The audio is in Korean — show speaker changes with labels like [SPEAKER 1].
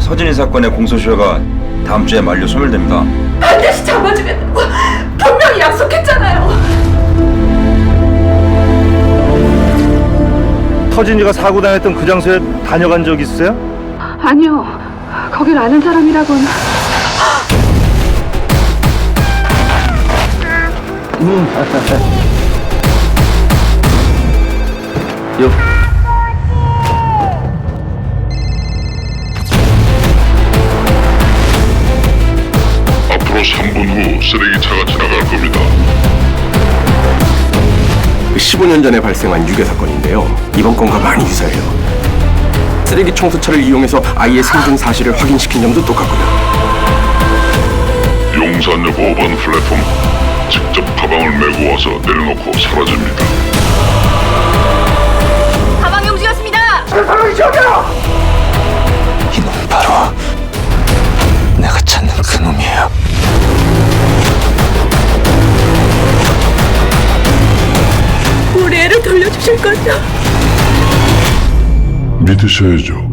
[SPEAKER 1] 서진이 사건의 공소시효가 다음 주에 만료 소멸됩니다.
[SPEAKER 2] 반드시 잡아주겠다고 분명히 약속했잖아요.
[SPEAKER 3] 터진이가 사고 당했던 그 장소에 다녀간 적 있으세요?
[SPEAKER 2] 아니요. 거길 아는 사람이라고는.
[SPEAKER 4] 앞으로 3분 후 쓰레기차가 지나갈 겁니다.
[SPEAKER 5] 15년 전에 발생한 유괴 사건인데요. 이번 건과 많이 유사해요. 쓰레기 청소차를 이용해서 아이의 생존 사실을 확인시킨 점도 똑같고요.
[SPEAKER 4] 용산역 5번 플랫폼 직접 가방을 메고 와서 내려놓고 사라집니다.
[SPEAKER 2] 가방이 움직였습니다.
[SPEAKER 5] 이놈 바로 내가 찾는 그 놈이에요.
[SPEAKER 2] 우리 애를 돌려주실 거죠?
[SPEAKER 4] 믿으셔야죠.